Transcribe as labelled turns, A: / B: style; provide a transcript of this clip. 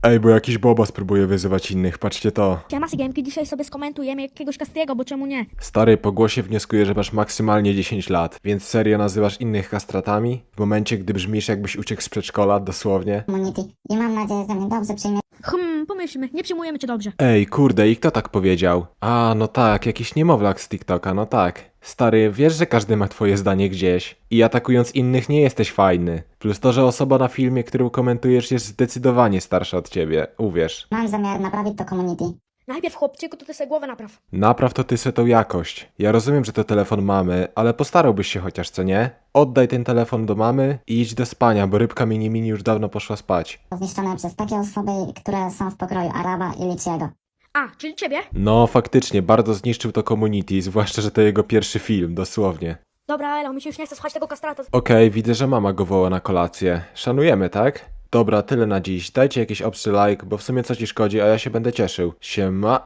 A: Ej, bo jakiś bobas próbuje wyzywać innych, patrzcie to.
B: Siema, Sygiemki, dzisiaj sobie skomentujemy jakiegoś Castriego, bo czemu nie?
A: Stary, po głosie wnioskuję, że masz maksymalnie 10 lat, więc serio nazywasz innych kastratami? W momencie, gdy brzmisz jakbyś uciekł z przedszkola, dosłownie?
C: Community i mam nadzieję, że mnie dobrze przyjmie.
B: Pomyślmy, nie przyjmujemy cię dobrze.
A: Ej, kurde, i kto tak powiedział? A, no tak, jakiś niemowlak z TikToka, no tak. Stary, wiesz, że każdy ma twoje zdanie gdzieś. I atakując innych nie jesteś fajny. Plus to, że osoba na filmie, którą komentujesz, jest zdecydowanie starsza od ciebie, uwierz.
C: Mam zamiar naprawić to community.
B: Najpierw, chłopczyku, to ty sobie głowę napraw.
A: Napraw to ty se tą jakość. Ja rozumiem, że to telefon mamy, ale postarałbyś się chociaż, co nie? Oddaj ten telefon do mamy i idź do spania, bo rybka mini już dawno poszła spać.
C: Zniszczone przez takie osoby, które są w pokroju Araba i Liciego.
B: A, czyli ciebie?
A: No, faktycznie, bardzo zniszczył to community, zwłaszcza, że to jego pierwszy film, dosłownie.
B: Dobra, Elo, mi się już nie chce słuchać tego kastrata.
A: Okej, widzę, że mama go woła na kolację. Szanujemy, tak? Dobra, tyle na dziś. Dajcie jakiś obcy like, bo w sumie co ci szkodzi, a ja się będę cieszył. Siema.